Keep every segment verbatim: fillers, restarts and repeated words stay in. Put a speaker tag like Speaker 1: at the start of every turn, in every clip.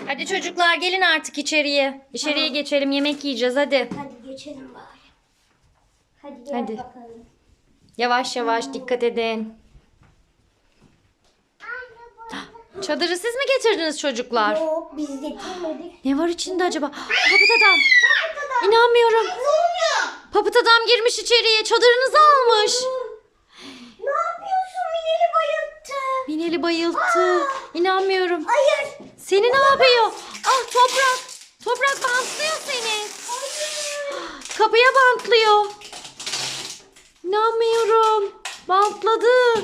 Speaker 1: Hadi çocuklar gelin artık içeriye. İçeriye
Speaker 2: Tamam.
Speaker 1: geçelim, yemek yiyeceğiz hadi.
Speaker 2: Hadi geçelim bari. Hadi gel
Speaker 1: Hadi.
Speaker 2: bakalım.
Speaker 1: Yavaş yavaş dikkat edin. Çadırı siz mi getirdiniz çocuklar?
Speaker 2: Yok biz getirmedik.
Speaker 1: Ne var içinde acaba? Papıt adam. İnanmıyorum.
Speaker 2: Ne oluyor?
Speaker 1: Papıt adam girmiş içeriye. Çadırınızı almış.
Speaker 2: Ne yapıyorsun? Mineli bayılttı.
Speaker 1: Mineli bayılttı. İnanmıyorum.
Speaker 2: Hayır.
Speaker 1: Seni ne yapıyor? Ah toprak. Toprak bantlıyor seni. Kapıya bantlıyor. İnanmıyorum. Bantladı.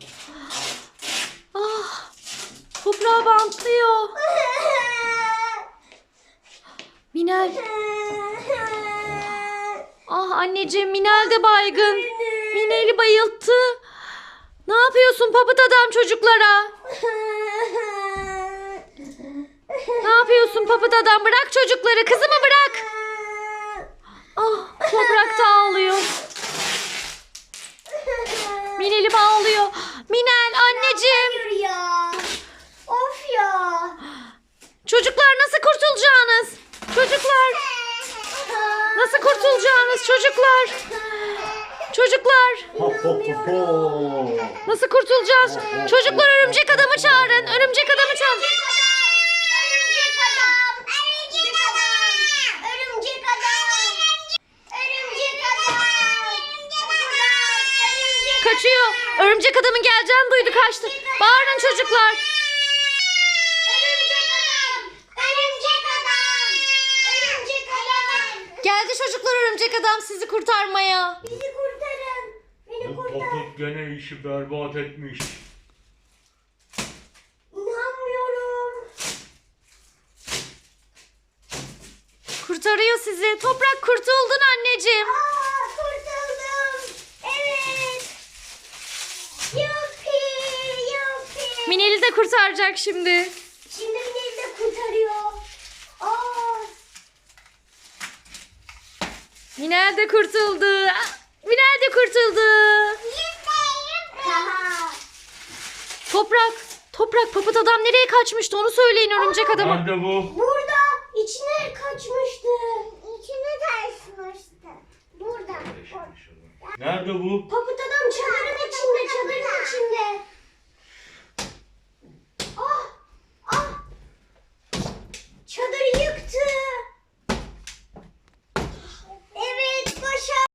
Speaker 1: Ah. Toprağı bantlıyor. Minel. Ah anneciğim Minel de baygın. Minel'i bayılttı. Ne yapıyorsun papıt adam çocuklara? Ne yapıyorsun papıt adam? Bırak çocukları. Kızımı bırak. Ah toprak da ağlıyor. Minel'im ağlıyor. Minel anneciğim.
Speaker 2: Hayır ya. Of ya.
Speaker 1: Çocuklar nasıl kurtulacaksınız? Çocuklar nasıl kurtulacaksınız çocuklar? Çocuklar nasıl kurtulacağız? Çocuklar örümcek adamı çağırın. Örümcek adamı çağırın.
Speaker 2: Örümcek adam. Örümcek adam. Örümcek adam. Örümcek adam. Örümcek
Speaker 1: Kaçıyor. Örümcek adamın geleceğini duydu kaçtı. Bağırın çocuklar.
Speaker 2: Örümcek adam. Örümcek adam. Örümcek adam.
Speaker 1: Geldi çocuklar örümcek adam sizi kurtarmaya.
Speaker 2: Bizi kurtarın. Beni
Speaker 3: Bu
Speaker 2: kurtar.
Speaker 3: Papıt gene işi berbat etmiş.
Speaker 2: İnanmıyorum.
Speaker 1: Kurtarıyor sizi. Toprak kurtuldun anneciğim.
Speaker 2: Aa, kurtuldum. Evet. Yuppi. Yuppi.
Speaker 1: Minel'i de kurtaracak şimdi.
Speaker 2: Şimdi Minel'i de kurtarıyor. Aa.
Speaker 1: Minel de kurtuldu. Ah, Minel de kurtuldu.
Speaker 2: Haha.
Speaker 1: Toprak. Toprak papıt adam nereye kaçmıştı onu söyleyin örümcek adama.
Speaker 3: Nerede bu?
Speaker 2: Burada içine kaçmıştı. İçine kaçmıştı. Burada.
Speaker 3: Nerede bu?
Speaker 2: Papıt